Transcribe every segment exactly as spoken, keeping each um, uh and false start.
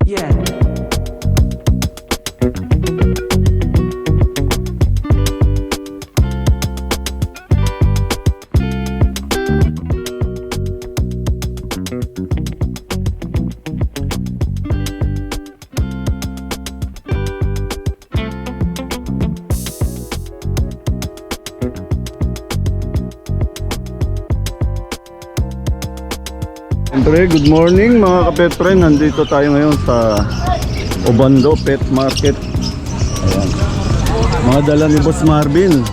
Yeah. Siyempre, good morning mga ka-pet friend. Nandito tayo ngayon sa Obando Pet Market. Ayan. Mga dala ni Boss Marvin.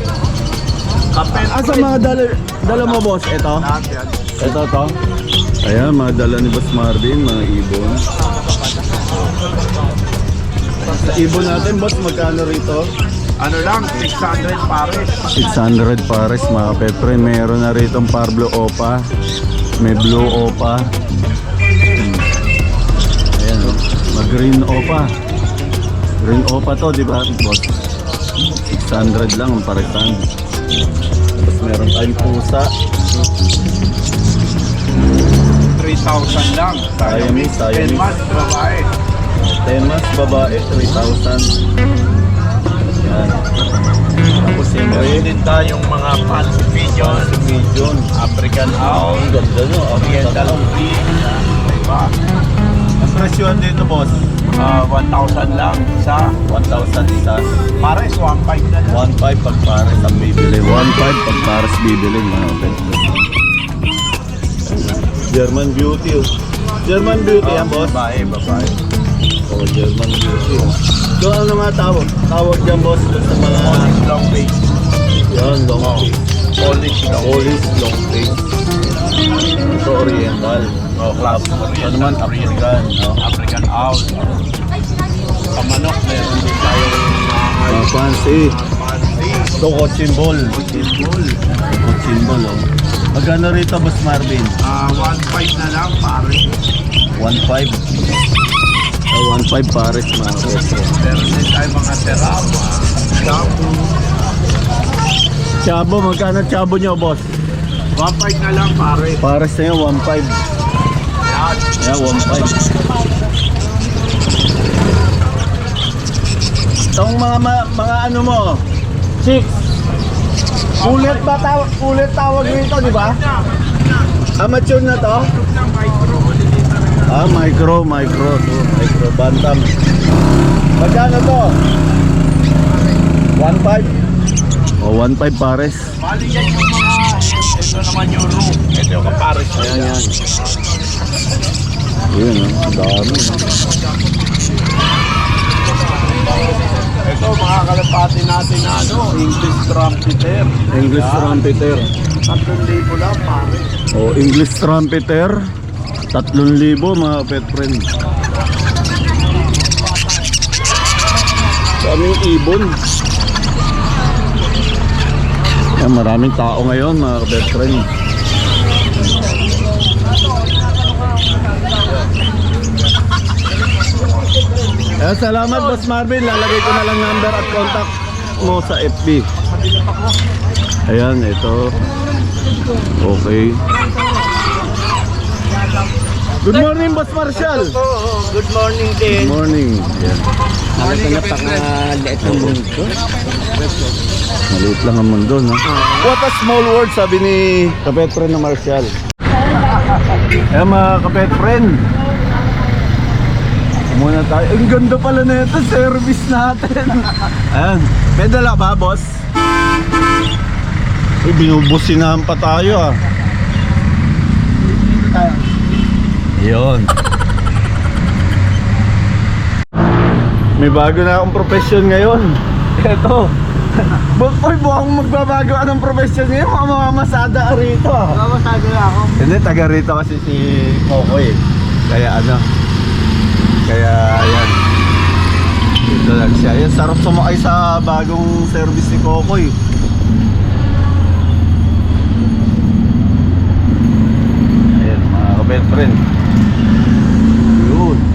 Asa mga dala, dala mo boss? Ito? Ito to? Ayan, mga dala ni Boss Marvin, mga ibon. Sa ibon natin boss, magkano rito? Ano lang, six hundred pares. six hundred pares mga ka-pet friend. Meron na rito ang Pablo Opa. May blue opa. Hmm. Ayan, oh. Mag-green opa. Green opa to, di ba, boss? six hundred lang ang paresan. Tapos meron tayong pusa. three thousand lang. Siamese, ten Siamese. months, babae. ten months babae, three thousand. Ayan. Tapos siyempre, Meron din tayong mga fancy pigeon, pigeon. African owl, Ang ganda nyo. oriental green. Diba? Ang presyon dito, boss? Uh, one thousand lang sa one thousand isa. pares, one five na lang. one five pag pares ang bibili. one five pag pares bibili mga kapit. German Beauty. Oh. German Beauty yan, boss? Babae, babae. Oh, German Beauty. Oh. So ano nga tawag? Tawag dyan, boss, dun sa mga... Polish long face. Yan, long face. Polish long face. Polish long face. Ito oriental. Oh, class. Ito naman African. No? African owl. Sa manok, meron din tayong Mga fancy. fancy. Ito, cochin ball. Pitbull. Cochin ball, oh. Magkano rito, boss Marvin? Uh, one five na lang, pares. one five. Oh, one five pares mga kapit. Meron din tayong mga terama. Shampoo. Chabo, magkano chabo nyo, boss? one five na lang, pares. Pares na yun, one five. Yan. Yeah, one five. Itong mga, mga, mga ano mo, six. Ulit ba tawag, ulit tawag nito, di ba? Amateur na to? Ah, micro, micro. So, micro, bantam. Magkano to? one five. O, one five pares. Bali yan yung mga, ito naman yung room. Ito yung kapares na Ayan, yan. yan. Ayan, oh, dami. Ito mga kalapati natin na ano, English trumpeter. English trumpeter. Tatlong libo lang, pare. O, English trumpeter. Tatlong libo mga pet friend. Daming ibon. Yan, maraming tao ngayon mga pet friend. Eh, salamat Boss Marvin. Lalagay ko na lang number at contact mo sa F B. Ayan, ito. Okay. Good morning, Boss Marshall. Good morning din. Good morning. Yan. Morning, kapit ng mundo. Maliit lang ang mundo, no? What a small world, sabi ni kapet friend na Marshall. Eh, mga kapet friend. Muna tayo. Ang ganda pala na ito, service natin. Ayan. May dala ba, boss? Uy, binubusinahan pa tayo, ah. Yun. May bago na akong profession ngayon. Ito. Boy, buwang magbabago anong profession ngayon. Mga mamamasada rito. Mamasado na ako. Hindi, taga rito kasi si Kokoy. Kaya ano. Kaya ayan. Dito lang siya. Ayan, sarap sumakay sa bagong service ni Kokoy. Ayan, mga kabet friend. Yun.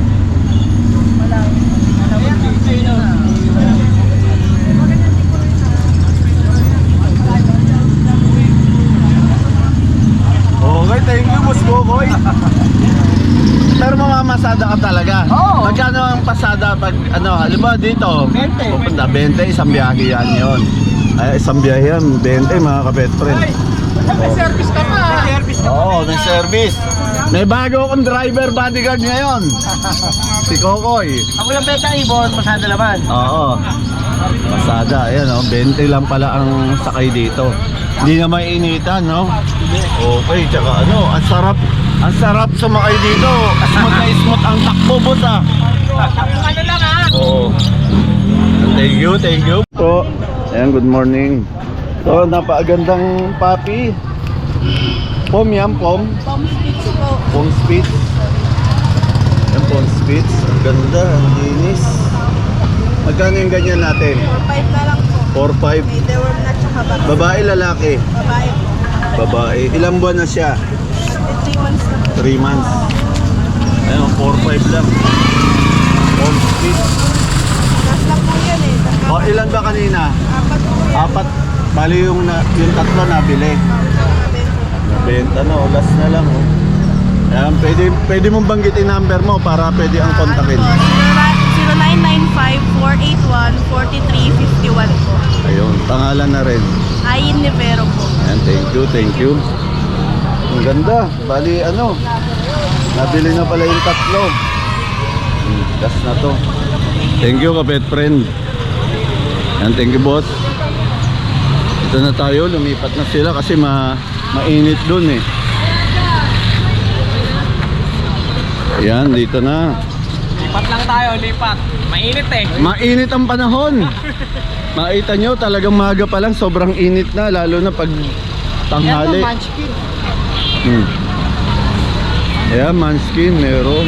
Okay, thank you, Boss Kokoy. Pero mamamas pasada ka talaga. Oo. Magkano ang pasada pag ano, halimbawa dito? twenty. Pupunta twenty, isang biyahe yan yun. Ay, isang biyahe yan, twenty mga ka-pet friend. May service ka pa. May service ka Oo, may service. May bago akong driver bodyguard ngayon. Si Kokoy. Ako lang beta ibon, masada laman. Oo. Pasada, ayan o. twenty lang pala ang sakay dito. Hindi na mainitan, no? Okay, tsaka ano, ang sarap. Ang sarap sumakay dito. Smooth na smooth ang takbo, boss ah. Ano lang ha? Oo. Thank you, thank you. So, ayan, good morning. So, napakagandang papi. Pom yan, pom. Pom Spitz po. Pom Spitz. Yan, pom Spitz. Ang ganda, ang linis. Magkano yung ganyan natin? four five na lang po. four five. May deworm na tsaka box. Babae, lalaki. Babae po. Babae. Ilang buwan na siya? three months na po. three months. Ayun, four five lang. Pom Spitz. Last lang po yan eh. Saka O, ilan ba kanina? apat po yan. Apat. Bali yung, na, yung tatlo nabili. Benta no, last na lang oh. Ayan, pwede, pwede mong banggitin number mo para pwede ang kontakin. zero nine nine five, four eight one, four three five one po. Ayun, pangalan na rin. Ayin Nivero po. Ayan, thank you, thank you. Ang ganda. Bali ano, nabili na pala yung tatlo. Hmm, last na to. Thank you ka-pet friend. Ayan, thank you boss. Ito na tayo, lumipat na sila kasi ma mainit dun eh. Ayan, dito na. Lipat lang tayo, lipat. Mainit eh. Mainit ang panahon. Makita nyo, talagang maga pa lang, sobrang init na, lalo na pag tanghali. Munchkin. Hmm. Ayan, Munchkin, meron.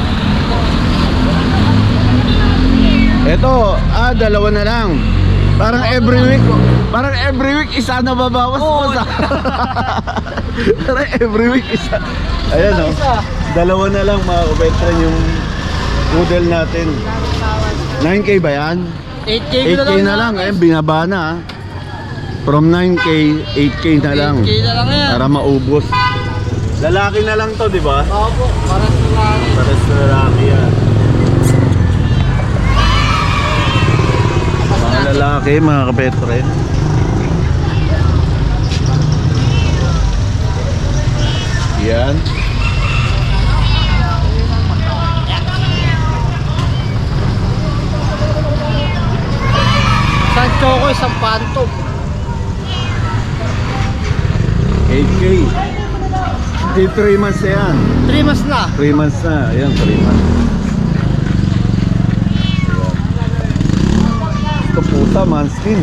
Eto, ah, dalawa na lang. Parang every week, parang every week isa na babawas mo sa. Parang every week isa. Ayan o, dalawa na lang mga kapetran yung poodle natin. nine K ba yan? eight K eight K na lang, ayun, binaba na ah. From nine K, eight K na lang. eight K na lang yan. Para maubos. Lalaki na lang to, di ba? Opo, para sa lalaki. Para sa lalaki yan. Mga lalaki, mga kapet friend. Yan. Isang choco, isang phantom. eight K. Di three months na yan. three months na. three months na. Ayan, three months. Ito pusa, Munchkin.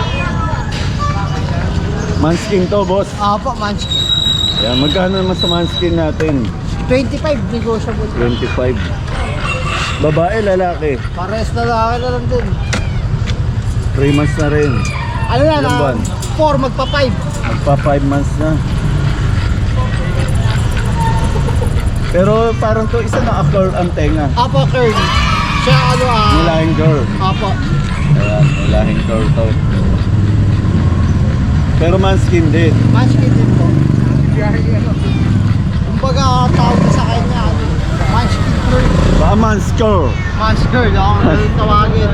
Munchkin to, boss. Opo, munchkin. Ayan, magkano naman sa Munchkin natin? twenty-five, negotiable. twenty-five. Babae, lalaki. Pares na lalaki na lang din. three months na rin. Ano na, Ilang buwan? four, magpa five. Magpa five months na. Pero parang to isa na curl ang tenga. Apo, curly. Siya ano ah. Nilahing curl. Apo. Ayan, nilahing curl to. Pero Munchkin din. Munchkin din po. Kumbaga tawag sa kanya, ano, munchkin curl. Baka Munchkin. Munchkin, ako na tawagin.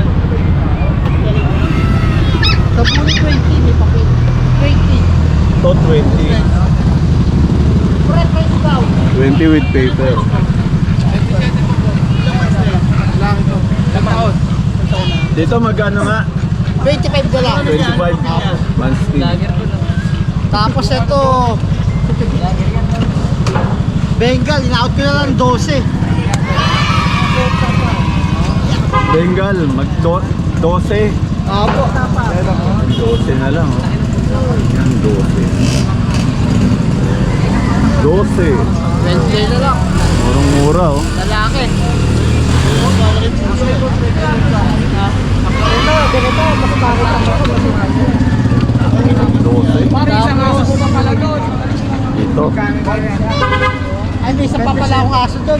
Sa puno twenty, may papel. twenty. To twenty. Preference daw. twenty with paper. Lang ito. Lamaon. Dito magkano nga? twenty-five na lang. twenty-five. Munchkin. Tapos ito, Bengal, in-out ko na lang twelve. Bengal, mag twelve. Apo. twelve na lang. Oh. Yan, twelve. twelve. twenty na lang. Murang-mura oh. Lalaki. twelve. Tapos, Dito. ay, may isa pa pala akong aso doon.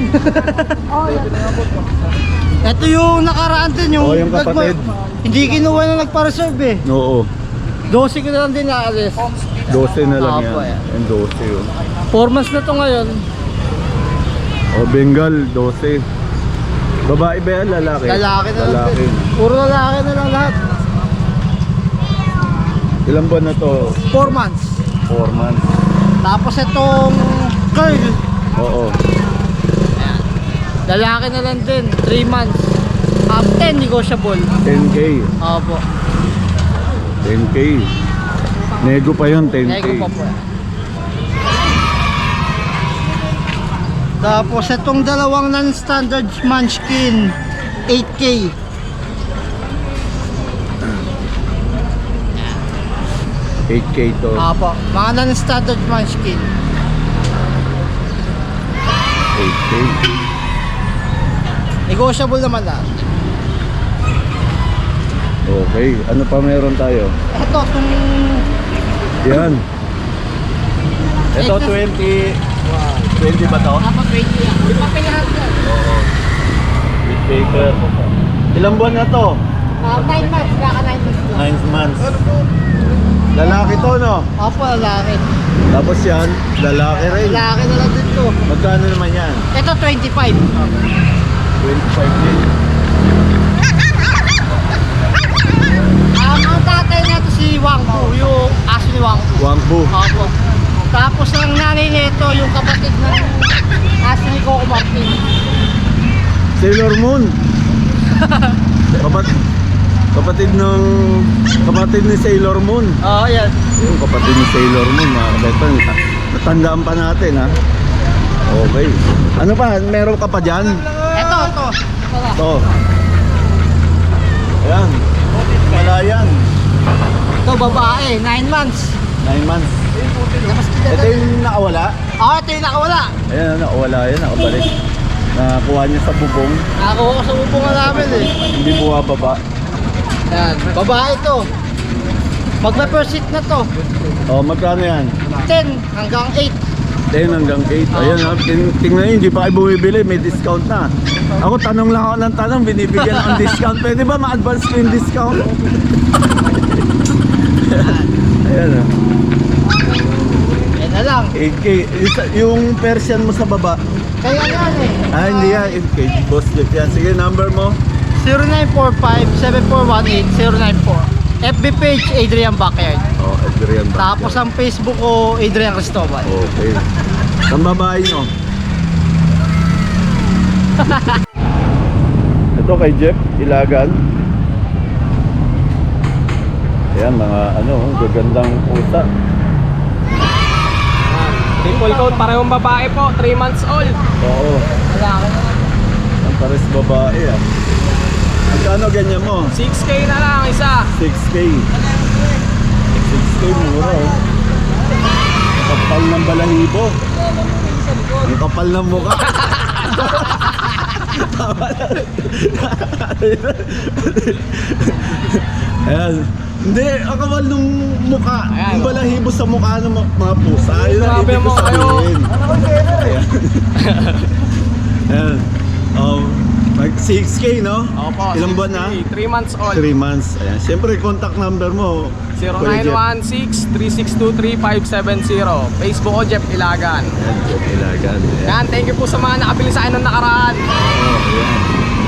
Ito yung nakaraan din, yung, Oh, yung kapatid. hindi kinuha na nagpa-reserve eh. Oo. twelve ko na lang din naalis. twelve na lang Opo, yan. yan. Yan twelve yun. four months na to ngayon. O Bengal, twelve. Babae ba yan? Lalaki? Lalaki na lang Lalaki. din. Puro lalaki na lang lahat. Ilang buwan na to? four months. four months. Tapos itong curl, Oo. lalaki na lang din, three months. Um, ten negotiable. ten K. Opo. ten K. Nego pa yun, ten K. Nego pa po. Tapos itong dalawang non-standard munchkin, eight K. eight K to. Opo, mga non-standard munchkin. eight K. Negotiable naman lang. Okay. Ano pa meron tayo? Ito, itong Yan. Ito twenty. twenty ba to? Apa twenty yan. Di pa pinahan yan. Oo. With baker. Ilang buwan na to? Uh, nine months, baka nine months lang. nine months. Lalaki to, no? Opo, lalaki. Tapos yan, lalaki rin. Lalaki na lang din to. Magkano naman yan? Ito, twenty-five. twenty-five din. Um, ang tatay nato si Wang Fu, yung aso ni Wang Fu. Wangbu. Opo. Tapos ang nanay nito, yung kapatid ng aso ni Coco Martin. Sailor Moon. Kapat kapatid ng kapatid ni Sailor Moon. Oo, oh, yan. Yung kapatid ni Sailor Moon, mga kabetan. Natandaan pa natin, ha? Okay. Ano pa? Meron ka pa dyan? Ito, ito. Ito na. Ito. Ayan. Malayan. Ito, babae, nine months. nine months. Labas kita Ito na. yung nakawala. Oo, ito yung nakawala. Ayan, nakawala yan. Nakabalik. Nakakuha niya sa bubong. Nakakuha ko sa ubungan namin eh. Hindi buwababa. Yan, babae ito. Magpa-first seat na to. O, magkano yan? ten hanggang eight. ten hanggang eight. Ayan, ha? Ting tingnan nyo, hindi pa kayo bumibili. May discount na. Ako, tanong lang ako ng tanong. Binibigyan ako ng discount. Pwede ba ma-advance ko yung discount? Ayan, ha? Yan na lang. eight K. Isa- Yung Persian mo sa baba. Kaya yan eh. Ah, hindi yan. eight K. Boss Jeff yan. Sige, number mo. zero nine four five, seven four one eight, zero nine four. F B page, Adrian Backyard. Oh, Adrian ba? Tapos ang Facebook ko, Adrian Cristobal. Okay. Ang babae nyo. Ito kay Jeff, Ilagan. Ayan, mga ano, gagandang pusa. Triple coat, parehong babae po, three months old. Oo, Wala ka na. ang pares babae ah. Magkano ganyan mo? six K na lang isa. six K. six K mura oh. Kapal ng balahibo. Ang kapal ng mukha. Ayan. Hindi, ang kapal ng mukha. Ayan, Yung oh. balahibo sa mukha ng mga- mga pusa. Yun ang Grabe ibig ko mo kayo. sabihin. Ayan. Ayan. Um, mag- six K, no? Opo, Ilang buwan na? three months old. three months. Ayan. Siyempre, contact number mo. zero Kuya nine Jeff. one six, three six two, three five seven zero. Facebook ko, Jeff Ilagan. Ayan, Jeff Ilagan. Ayan. Yan, thank you po sa mga nakabili sa akin nung nakaraan. Oh, ayan.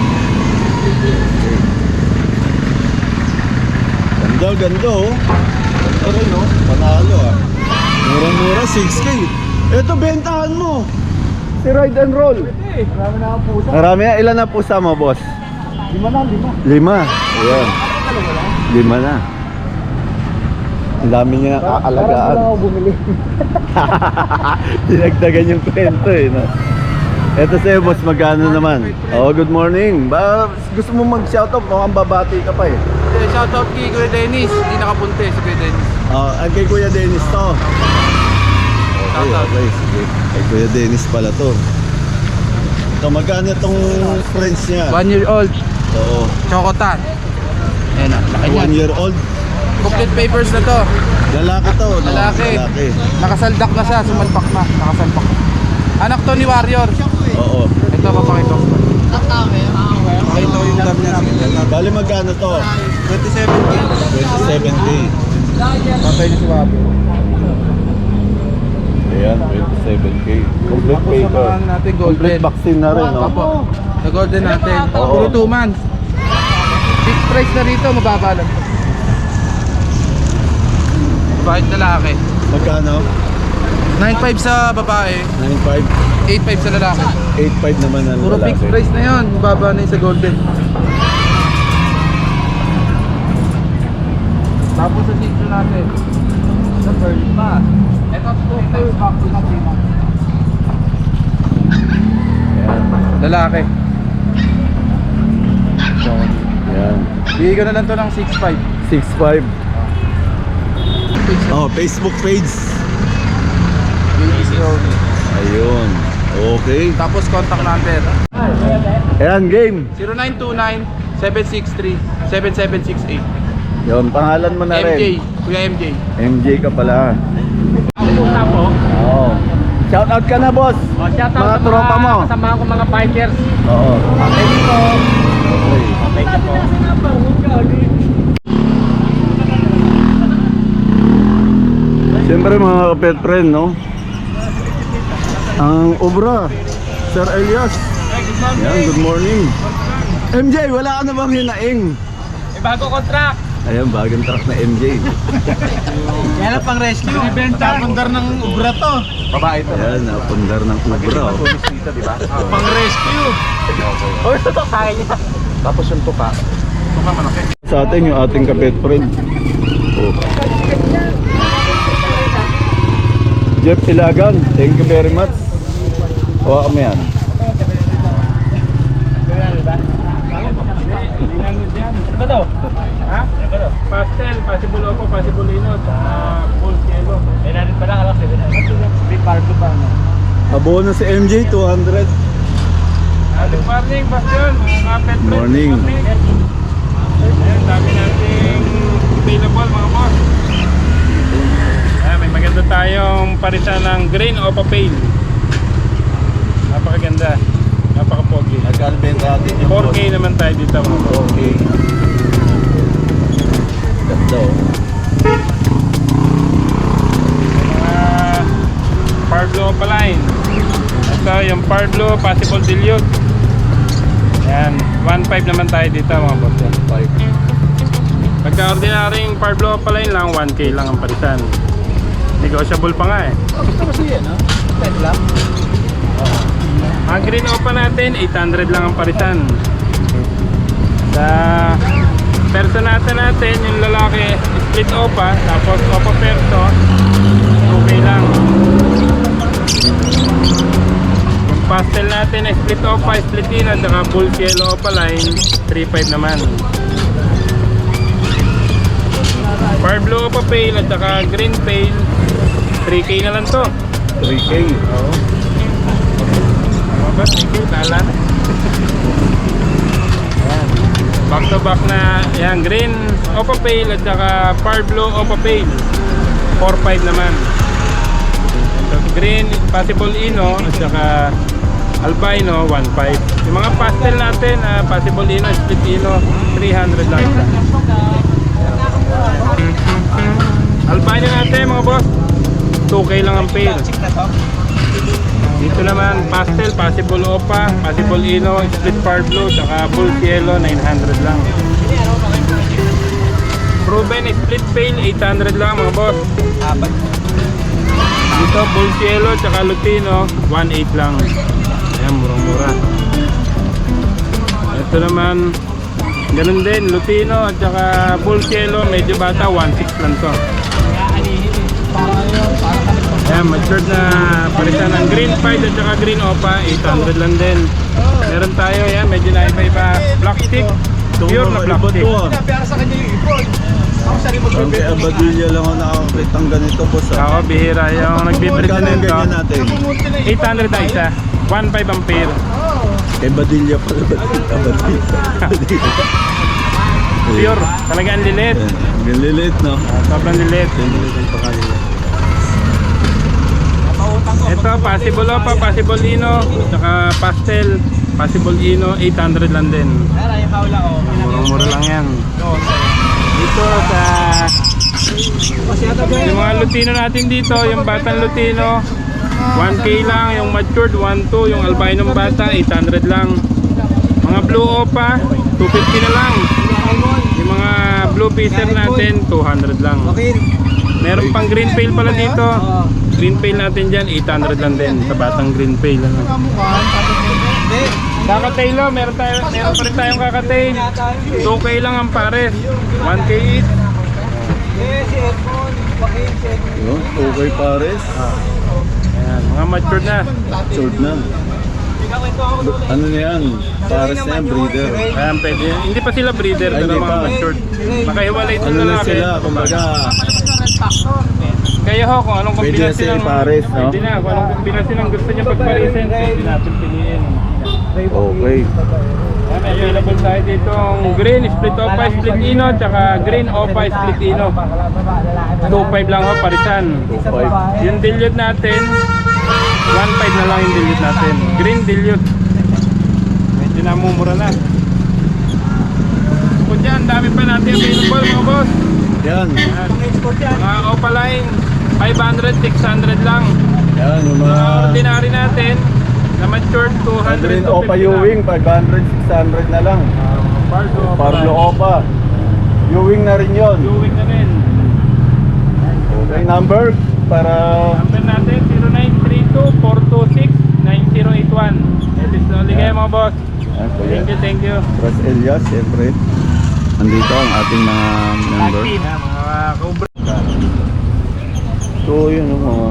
Ganda, ganda oh. Ito rin oh. Panalo ah. Mura-mura, six K. Ito, bentahan mo. Si Ride and Roll. Marami na ang pusa. Marami na. Ilan na pusa mo, boss? Lima na, lima. Lima. Ayan. Lima na. Ang dami niya aalagaan. ako bumili. Dinagdagan yung kwento eh, no? Eto sa'yo, boss, magkano naman? Oh, good morning. Ba, gusto mo mag-shoutout? Mukhang babati ka pa eh. Shoutout kay Kuya Dennis. Hindi nakapunti si Kuya Dennis. Oh, ang kay Kuya Dennis to. Okay, okay, sige. Kay Kuya Dennis pala to. Ito, magkano itong friends niya? One year old. Oo. Chocotan. Ayan na, laki One year old. Complete papers na to. Lalaki to, no? Lalaki. Lalaki. Nakasaldak na siya, sumalpak na. Nakasalpak. Anak to ni Warrior. Oo. Ito, papakita ko. Tatawi, ah, well. Pakita ko yung dam niya. Bali, magkano to? twenty-seven K. twenty-seven K. Patay na si Wabi. Ayan, twenty-seven K. Complete Tapos pay sa mga ano natin, golden. Complete vaccine na rin, no? Opo. Sa golden natin. Oo. Puro two months. Fixed price na rito, mababa lang. Bakit lalaki? Magkano? nine five sa babae, nine five, eight five sa lalaki. eight five naman ang Puro lalaki. fixed price na yun, mababa na yun sa golden. Tapos sa sitio natin, sa pearl pa. Ito, two times back to na three months. Ayan. Lalaki. Ayan. Bigay ko na lang to ng six five. six five. Oh, Facebook page. Ayun. Okay. Tapos contact number Ayan, game. zero nine two nine, seven six three, seven seven six eight. Yun, pangalan mo na M J, rin. Kuya M J. M J ka pala. Pupunta po. Oo. Shout out ka na, boss. O, shout out Mga sa tropa mo. kasama ko mga bikers. Oo. Thank you po. Okay. Thank you po. Siyempre mga kapet friend, no? Ang obra, Sir Elias. Yan, good morning. M J, wala ka na bang hinaing? Eh, bago contract. Ayan, bagong truck na M J. Yan ang pang rescue. Tapundar ng ubra to. Babae to. Ayan, napundar ng obra. Oh. Tulis dito, di ba? Pang rescue. Oh, ito to sa akin. Tapos yung tuka. Tuka malaki. Sa atin, yung ating kapet friend. Oh. Jeff Ilagan, thank you very much. Hawa kami yan. Ano to? Ha? Pastel, possible opo, possible inot. Ah, full yellow. Eh, natin pala kalak. Big pardo pa. Abono si M J, two hundred. Good morning, Bastion. Mga kapet friends. Morning. Ayan, dami nating available mga boss. Ayan, may maganda tayong parisan ng Green Opa Pale. Napakaganda. Napaka-pogi. Nagkalbenta natin yung four K naman tayo dito mga boss. Okay. Ganda oh. Mga Parblo Opa line. Ito yung Parblo Possible Dilute. Ayan, one five naman tayo dito mga boss. one five. Pagka ordinaryong Parblo Opa line lang, one K lang ang parisan. Negotiable pa nga eh. Kasi yan, no? ten lang. Ang Green Opa natin, eight hundred lang ang parisan. Sa perso natin natin, yung lalaki, split Opa, tapos Opa perso, two K lang. Yung pastel natin, split Opa, split Ina, saka full yellow Opa line, three five naman. Parblo Opa Pale at saka Green Pale, three K na lang to. three K. Oo. Ano ba? Thank you, talan. Ayan. Back to back na, yan, Green Opa Pale at saka Parblo Opa Pale, four five naman. So, Green Possible Ino at saka Albino, one five. Yung mga pastel natin, uh, Possible Ino, Split Ino, three hundred lang isa. Albino natin mga boss, two K lang ang pair. Dito naman, pastel, possible Opa, possible Ino, split Parblo, saka full yellow, nine hundred lang. Proven split pale, eight hundred lang mga boss. Dito, full yellow, saka Lutino, one eight lang. Ayan, murang-mura. Ito naman, ganun din, Lutino at saka full yellow, medyo bata, one six lang to. Ayan, matured na palitan ng Green Pied at saka Green Opa, eight hundred lang din. Meron tayo, yan, medyo naiba-iba. Black stick, pure na black stick. Ang kay Abadilla lang ako nakakakitang ganito, boss. Ah. Ako, bihira yung nagbibrid Magkano na yung nito. ganyan natin? eight hundred na isa, one five ang pair. Kay Badilla pala. Abadilla. Pure, talagang lilit. Ang lilit, no? Sobrang lilit. Ito, possible Opa, possible Ino, saka pastel, possible Ino, eight hundred lang din. Murang-mura lang yan. Dito sa yung mga Lutino natin dito, yung batang Lutino, one K lang yung matured, one two. Yung albino bata, eight hundred lang. Mga blue opa, two fifty na lang. Yung mga blue fisher natin, two hundred lang. Meron pang green pail pala dito. Green pail natin dyan, eight hundred lang din sa batang green pail. Ano. Kakatail lo, meron, tayo, meron pa rin tayong kakatail. two K lang ang pares, one K each. Yun, okay pares. Ayan, mga matured na. Matured na. Ano na yan? Pares na yan, breeder. Ayan, pwede. Hindi pa sila breeder, Ay, pero hindi mga pa. matured. Makahiwalay ito Ano na lalaki. sila, kumbaga. Kaya ho, kung anong Pwede kombinasyon na ng... sila pares, no? Pwede na, kung anong kombinasyon ng gusto niya pagparisin, pwede natin piliin. Okay. Ayan, may available tayo dito ang green, split opa, split ino, tsaka green opa, split ino. two five lang ho, parisan. two five. Yung dilute natin, one five na lang yung dilute natin. Green dilute. Medyo namumura na. Kung dyan, dami pa natin available mga boss. Yan. Ayan. Mga opa line, five hundred, six hundred lang. Yan, yung Mga mga... ordinary natin, na matured, two hundred, Green two Opa fifty lang. Ewing, five hundred, six hundred na lang. Parlo Opa. Parlo Opa. Ewing na rin yun. Ewing na rin. Okay, number para... Number natin, zero nine three two, four two six, nine zero eight one. It is only kayo mga boss. Yan, kuya. Thank you, thank you. Ras Elias, siyempre. Andito ang ating mga member. Tag team, ha, mga cobra. So, yun o, mga...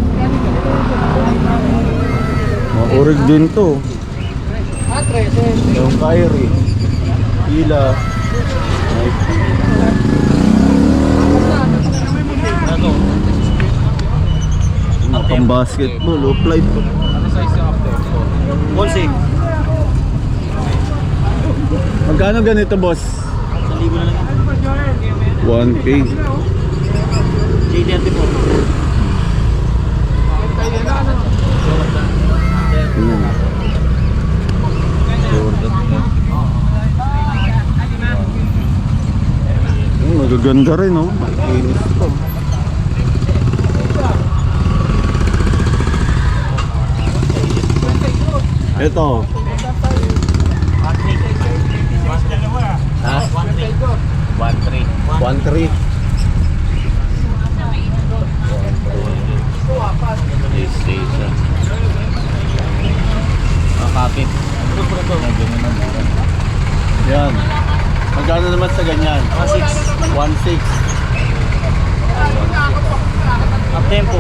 Mga orig din to. Yung Kyrie. Ila. Mga pang basketball, o flight. Bolsing. Magkano ganito, boss? Sa libo na lang. one K. J thirty-four. Ayan. Oh, magaganda rin, oh. Makinis to. Ito. Ha? one three. one three. PlayStation. Ah, kapit. Yan. Magkano naman sa ganyan? one six. one six. Up tempo.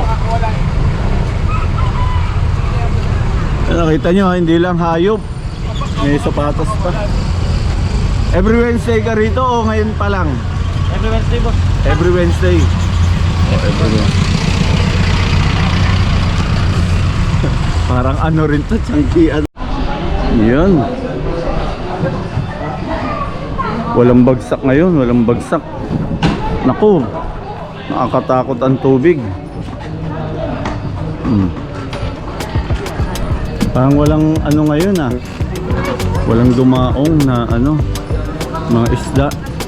Eh, nakita nyo, ha, hindi lang hayop. May sapatos pa. Every Wednesday ka rito o ngayon pa lang? Every Wednesday, boss. Every Wednesday. Oh, every Wednesday. Parang ano rin to, tiyangkian. Yan. Walang bagsak ngayon, walang bagsak. Naku, nakakatakot ang tubig. Hmm. Parang walang ano ngayon ah. Walang dumaong na ano, mga isda.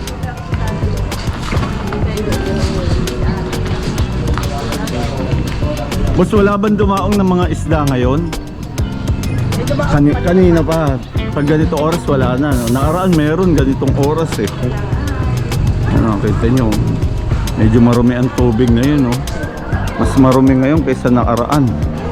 Boss, wala bang dumaong ng mga isda ngayon? Kani kanina pa. Pag ganito oras wala na. No? Nakaraan meron ganitong oras eh. Ano, kita nyo. Medyo marumi ang tubig ngayon. No? Mas marumi ngayon kaysa nakaraan.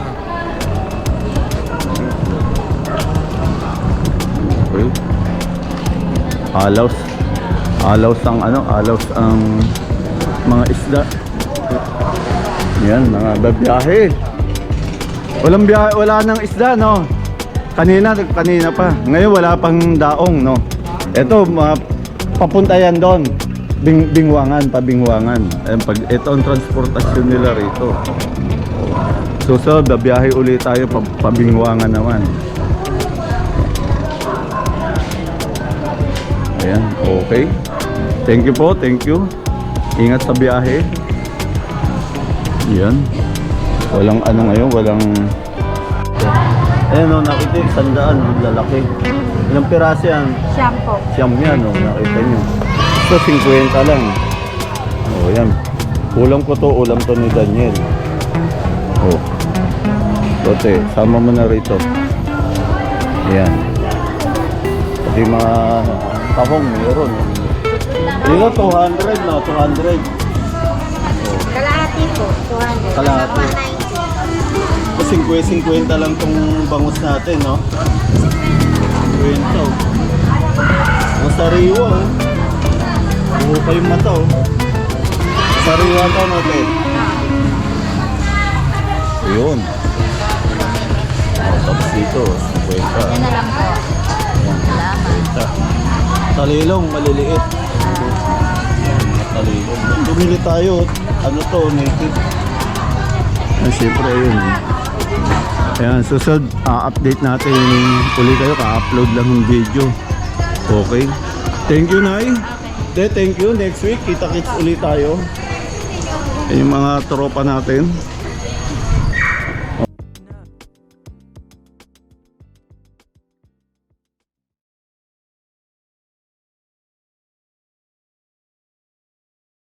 Okay. Alaws. Alaws ang ano, alaws ang mga isda. Yan, mga babiyahe. Walang biyahe, wala nang isda, no? Kanina, kanina pa. Ngayon wala pang daong, no? Ito, mga papunta yan doon. Bing, bingwangan, pabingwangan. Ayan, pag, ito ang transportasyon nila rito. So, so, babiyahe ulit tayo, pa, pabingwangan naman. Ayan, okay. Thank you po, thank you. Ingat sa biyahe. Yan. Walang ano ngayon, walang... Ayan o, nakita yung sandaan, lalaki. Ilang piraso yan? Siyam po. Siyam yan o, nakita nyo. Ito, fifty lang. O, yan. Ulam ko to, ulam to ni Daniel. O. Bote, sama mo na rito. Ayan. Pati mga tahong meron. Dito two hundred no, two hundred. Kalahati po, two hundred. Kalahati. one ninety. Kasi fifty-fifty lang tong bangus natin, no? fifty. Oh. Ang sariwa, oh. Buho pa yung mata, oh. Sariwa to, natin. Yun. Oh, tapos dito, fifty. Yan na lang po. Salamat. Talilong, maliliit. Talilong. Bumili tayo. Ano to, native. Ah, siyempre yun. Ayan, susunod, uh, update natin uli kayo, ka-upload lang yung video. Okay. Thank you, Nay. De, thank you. Next week, kita-kits ulit tayo. Ayan yung mga tropa natin.